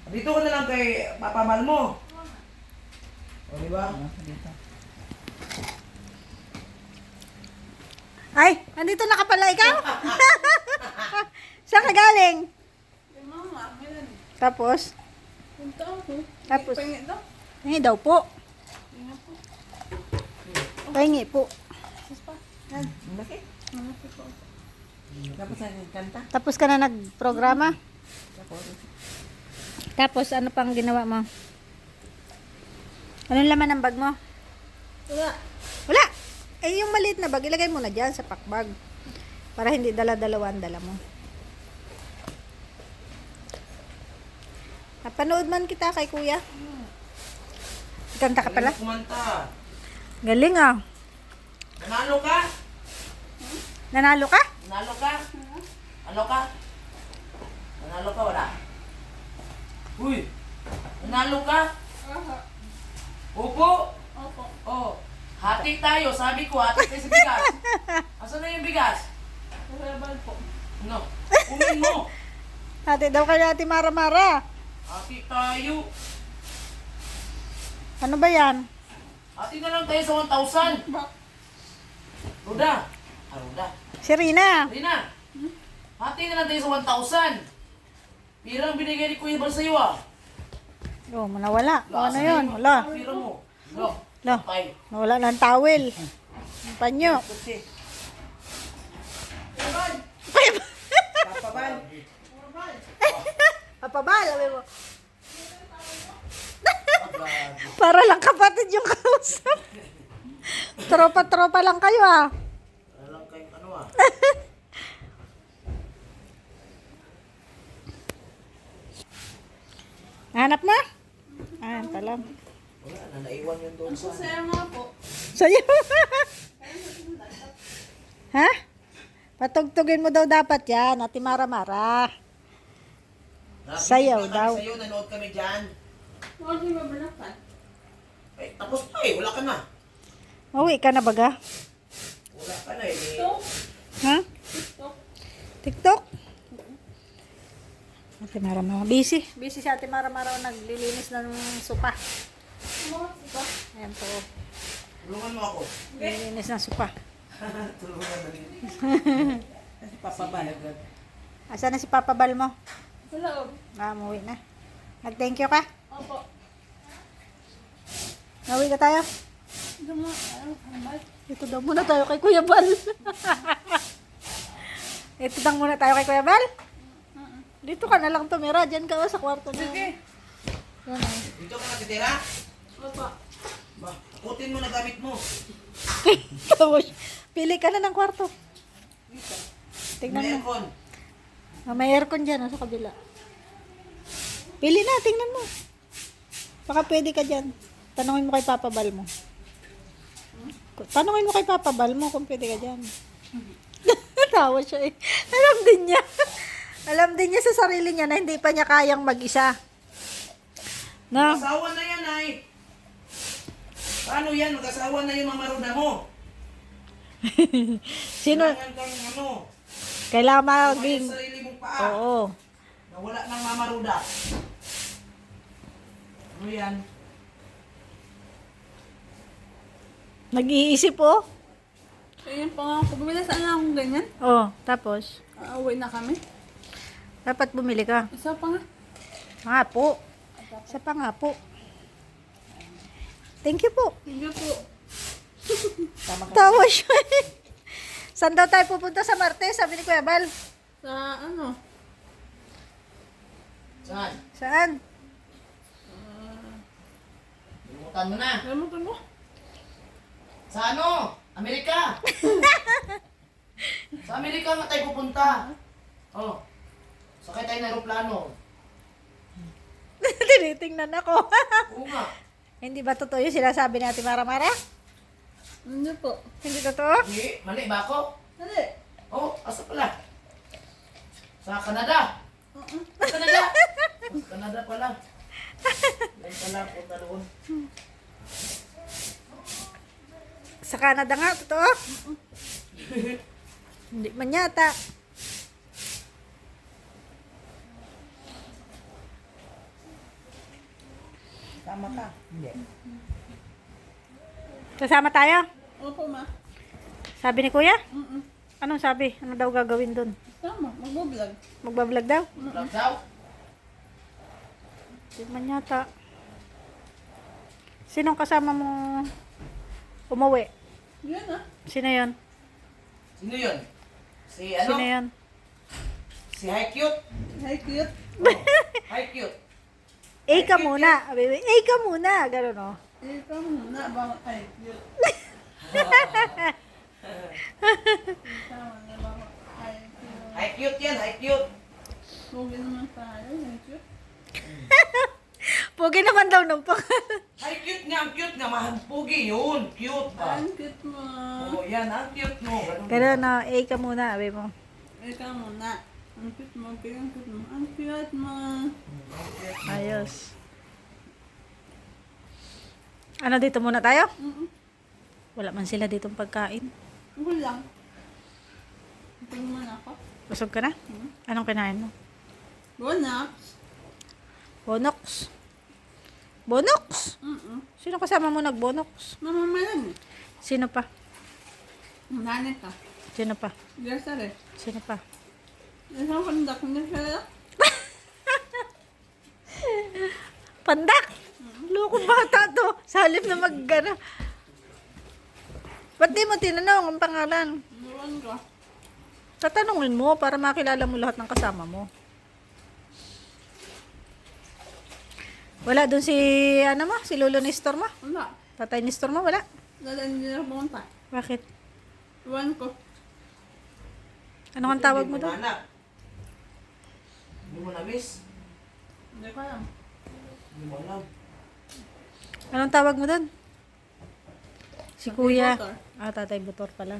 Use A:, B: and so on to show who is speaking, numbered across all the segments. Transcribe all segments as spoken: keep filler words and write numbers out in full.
A: Dito ka na lang kay Papa Mal mo. O, di ba?
B: Dito.
C: Ay, nandito na ka pala ikaw? Saan ka galing?
B: Yung mama, ngayon.
C: Tapos?
B: Punta ako.
C: Tapos?
B: Pahingit daw.
C: Hingi daw po.
B: Tingnan po.
C: Pahingi po.
B: Sus pa.
A: Ang laki.
B: Malaki po.
A: Tapos ang kanta.
C: Tapos ka na nagprograma?
A: Tapos,
C: Tapos ano pang ginawa mo? Anong laman ng bag mo?
B: Wala.
C: Wala. Eh yung maliit na bag, ilagay mo na dyan sa packbag. Para hindi dala-dalawa ang dala mo. Napanood man kita kay kuya. Kanta ka pala?
A: kumanta.
C: Galing ah.
A: Nanalo ka?
C: Nanalo ka?
A: Nanalo ka? Ano ka? Nanalo ka, wala? Uy! Nanalo ka?
B: Aha.
A: Opo!
B: Opo.
A: Oh, hati tayo. Sabi ko, hati tayo sa bigas. Asan na yung bigas?
B: Verbal po.
A: No. Kumin mo.
C: Ate daw kaya ate Mara-Mara.
A: Hati tayo.
C: Ano ba yan?
A: Hati na lang tayo sa one thousand.
B: Bak.
A: Ruda. Ah, Ruda.
C: Si Rina.
A: Rina. Hati na lang tayo sa one thousand. Pira ang binigay ni Kuya Bal sa'yo ah.
C: Oh, nawala. O, ano
A: Asan na
C: yun?
A: yung
C: Wala.
A: Pira mo. Lo.
C: Lo.
A: Tay.
C: Nawala ng towel. Ang panyo.
A: Kasi.
B: Verbal.
A: Papabal.
B: Verbal.
C: Papabal, sabi mo.
A: Pagbago.
C: Para lang kapatid yung kausap. Tropa-tropa lang kayo ah.
A: Alam kayo ano ah.
C: Hanap na? Ayan pala.
A: Wala na, naiwan yun doon
B: Ang
A: sa...
B: sasaya nga po.
C: Sa'yo. Ha? Patugtugin mo daw dapat yan, Ate Mara-Mara.
A: Nakikita
C: Sayaw
A: kami
C: daw.
A: Sa'yo, nanood kami dyan.
B: Huwag niyo babalakan.
A: Eh, tapos pa eh, wala ka na.
C: Uwi ka na baga?
A: Wala ka na eh.
B: Ito.
C: Ha?
B: Ito.
C: TikTok? Ate Mara-Mara. Busy. Busy si Ate Mara-Mara naglilinis ng sopa.
B: Ano? Ito.
C: Ayan po.
A: Tulungan mo ako.
C: Naglilinis ng sopa.
A: Tulungan mo rin. Papabal.
C: Asa na si Papa Bal mo?
B: Sa loob.
C: Ah, umuwi na. Nag-thank you ka?
B: Opo.
C: Nauwi ka tayo?
B: Ito mo. Ano? Verbal.
C: Ito daw muna tayo kay Kuya Bal. Ito daw muna tayo kay Kuya Bal. Dito ka na lang tumira. Diyan ka oh, sa kwarto niya.
B: Sige.
C: Yan oh.
A: Dito ka nakitira?
B: Opo.
A: Ba, takutin mo na gamit mo.
C: Tapos, pili ka na ng kwarto. Tingnan
A: May
C: mo.
A: aircon.
C: Ah, may aircon dyan oh, sa kabila. Pili na, tingnan mo. Baka pwede ka dyan. Tanungin mo kay Papa Bal mo. Tanungin mo kay Papa Bal mo kung pwede ka dyan. Tawa siya eh. Alam din niya. Alam din niya sa sarili niya na hindi pa niya kayang mag-isa. No?
A: Mag-asawa na yan ay. Paano yan? Mag-asawa na yung mamaruda mo.
C: Sino?
A: Kailangan kang ano.
C: Kailangan
A: Kumain
C: maging...
A: sa sarili mong paa.
C: Oo.
A: Na wala nang mamaruda. Ano yan?
C: Nag-iisip oh.
B: Ayun pa nga ako. Bumila saan lang akong ganyan?
C: Oh, tapos,
B: Aawi na kami.
C: dapat bumili ka.
B: Isa pa nga.
C: Nga po. Isa pa nga po. Thank you po.
B: Sige po.
A: Tama ka.
C: Tawa siya eh. Saan daw tayo pupunta sa Martes? Sabi ni Kuya Bal.
B: Sa ano?
A: Saan?
C: Saan?
A: Limutan mo na.
B: Gamutan mo.
A: Sa ano? Amerika. Sa Amerika nga tayo pupunta. Oh. Sakay tayo ng aeroplano.
C: Tinitingnan ako.
A: Oo nga.
C: Hindi ba totoo yung sinasabi ni Ate Mara-Mara?
B: Hindi po.
C: Hindi totoo?
A: Hindi, mali ba ako?
B: Hindi.
A: Oh, asa pala? Sa Canada. Sa Canada. Sa Canada pala. Yan pala, punta doon.
C: Sa Canada nga, totoo? Hindi man yata.
A: Tama ka. Hindi.
C: Kasama tayo?
B: Opo, ma.
C: Sabi ni kuya?
B: Mm-mm.
C: Anong sabi? Ano daw gagawin dun?
B: Tama, mag-vlog.
C: Magbablog daw?
A: Vlog daw.
C: Di man yata. Sinong kasama mo umuwi?
B: Yan ah.
C: Sino yun?
A: Sino yun? Si ano?
C: Sino yun?
A: Si Hi Cute.
B: Hi, cute.
A: Oh, Hi Cute.
C: A ka muna. Baby. A ka muna. Ganun o.
B: Ikaw muna ba? Hi, cute. Ikaw na ba? Hi, cute.
A: Hi Cute yan, Hi Cute.
B: Huwag naman tayo. Hi, cute.
C: Pugi naman daw nung pangalan.
A: Hi Cute nga, ang cute nga. Mahampugi yun. Cute ba?
B: Ang cute mo.
A: Oo, yan. Ang cute mo. Ganun.
C: Ganun o. A ka muna. Sabi mo.
B: Ikaw muna. Ang cute mo. Ang cute mo. Ang cute mo.
C: Ayos. Ano dito muna tayo?
B: Mm-mm.
C: Wala man sila ditong pagkain.
B: Ako lang. Ito naman ako.
C: Busog ka na?
B: Hmm?
C: Anong kinain mo?
B: Bonax.
C: Bonox. Bonox?
B: Mm-mm.
C: Sino kasama mo nagbonox?
B: Mamamalan eh.
C: Sino pa?
B: Nanay ka.
C: Sino pa?
B: Gersa rin.
C: Sino pa?
B: Isang kandak na siya.
C: Pandak! Loko bata to. Sa halip na mag-gana. Ba't di mo tinanong ang pangalan?
B: Iwan ka.
C: Tatanungin mo para makilala mo lahat ng kasama mo. Wala doon si, ano mo? Si Lolo Nestor mo?
B: Wala.
C: Tatay Nestor mo? Wala.
B: Dalan nila pumunta.
C: Bakit?
B: Iwan ko.
C: Ano kang tawag mo doon?
A: Anak. Hindi mo na-miss.
B: Hindi ko alam.
A: Hindi mo alam.
C: Anong tawag mo doon? Si
B: Tatay
C: Kuya.
B: Butor.
C: Ah, Tatay Butor pala.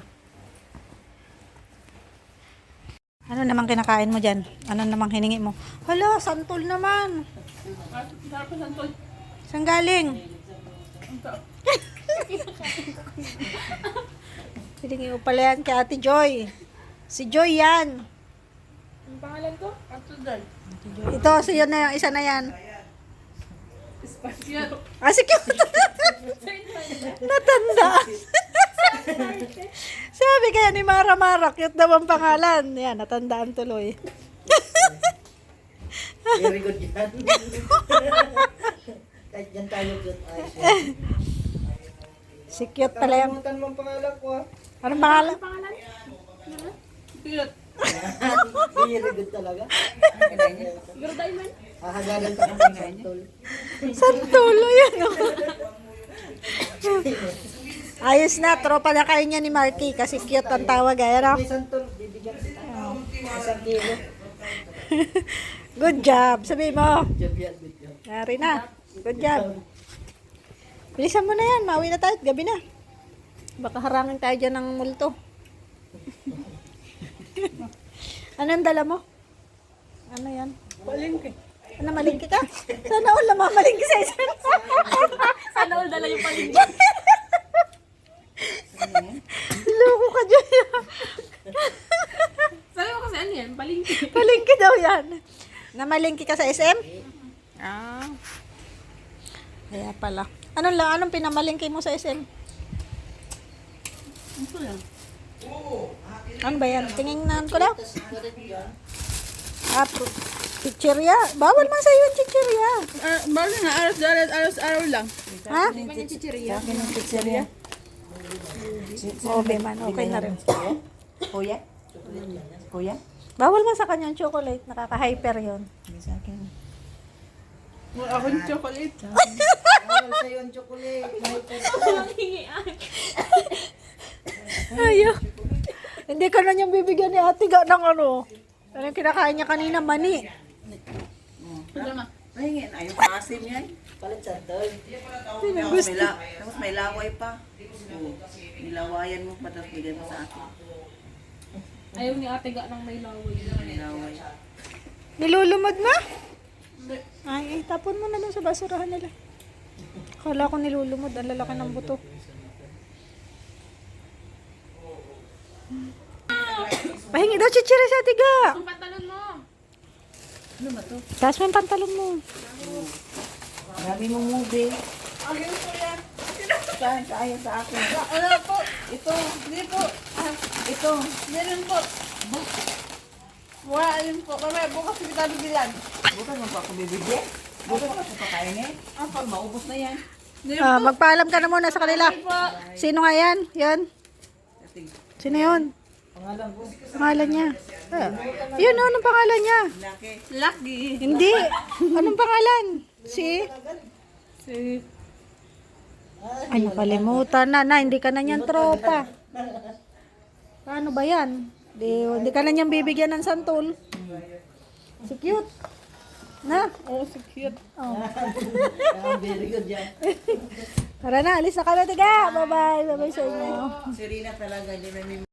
C: Ano namang kinakain mo dyan? Ano namang hiningi mo? Hala, santol naman.
B: Sarap ko santol.
C: Saan galing?
B: Ang sarap.
C: Hiningi mo pala yan kay Ate Joy. Si Joy yan.
B: Ang pangalan ko? Ato dal.
C: Ito, si yun na yung isa na yan.
B: Espacial.
C: Ah, si cute. Natandaan. Sabi kaya ni Mara Mara, cute daw ang pangalan. Yan, natandaan tuloy.
A: Very good yan. Kahit yan tayo good.
C: Si cute pala yan.
A: Kalimutan mo ang pangalan ko ah.
C: Anong pangalan?
B: Pangalan? Cute.
A: Very good talaga.
B: Pero diamond.
A: Hahagalan pa ng santol.
C: Santulo yan. Oh. Ayos na, tropa na kayo niya ni Marky kasi cute ang tawag. Ayan, oh.
A: May santol, bibigyan kita. Isang kilo.
C: Good job. Sabi mo.
A: Job yan, good job.
C: Nari na. Good job. Bilisan mo na yan. Mauwi na tayo. Gabi na. Baka harangin tayo dyan ng multo. Anong dala mo? Ano yan?
B: Palengke.
C: Ano, malingki ka? Sana all namamalingki sa isa.
B: Sana all dala yung palengke.
C: Loko ka dyan.
B: Sabi mo kasi ano yan? Palengke.
C: Palingki daw yan. Namalingki ka sa S M? Ah. Kaya pala. Anong lang? Anong pinamalingki mo sa S M?
B: Ito lang.
C: Ano ba yan? Tingnan ko daw. Ah, pu- chichirya. Bawal man sa'yo yung chichirya.
B: Uh, Bawal na. Aros dalat, aros araw lang.
C: Ha?
B: Di ba yung chichirya?
C: Chichirya. Okay man. Okay na rin.
A: Kuya? Kuya?
C: Bawal man sa kanya yung chocolate. Nakaka-hyper yun.
A: Sa akin.
B: Wala akong chocolate.
A: Bawal sa'yo ang chocolate.
C: Ayaw. Hindi ka na niyang bibigyan ni ate ga ng ano. Ano yung kinakain niya kanina? Mani.
B: Wala na.
D: Mahingi na yung asim yan.
A: Palit santol.
D: Tapos may, la- tapos may laway pa. Oo. Nilawayan mo pa tapos bigay mo sa akin.
B: Ayaw ni ate ga ng may laway.
D: May laway.
C: Nilulumod na?
B: Hindi.
C: Ay, ay, tapon mo na dun sa basurahan nila. Akala ko nilulumod. Ang lalaki ng buto. Pahingi daw chichiri sa tiga.
B: Ang pantalon mo.
D: Ano ba to?
C: Taas mo yung pantalon mo.
D: Sabi mo movie.
B: Ayun po yan.
D: Saan? Kaya sa akin.
B: Ano po?
D: Ito.
B: Hindi po. Ah,
D: Ito.
B: hindi rin po. Wala yun po. Kaya bukas kita bibilan.
D: Bukas mo pa ako bibigyan. Bukas mo pa pakainin. Ah, pag maubos na yan.
B: Hindi
C: Ah,
B: po.
C: magpaalam ka na muna sa kanila.
B: Po.
C: Sino nga yan? Yan? Sino yun?
A: Pangalan ko.
C: Pangalan niya. Ah. Yun, oh, anong pangalan niya?
D: Laki.
B: Lucky.
C: Hindi. Anong pangalan? Si?
B: Si...
C: Ay, nakalimutan na. Na, hindi ka na niyan tropa. Paano ba yan? Di, hindi ka na niyan bibigyan ng santol. Si cute. Na?
B: Oh, so cute.
C: Oh.
A: Ah, very good yan.
C: Tara na, alis na kami. Tiga. Bye-bye. Bye-bye sa inyo.
D: Si Rina talaga, hindi na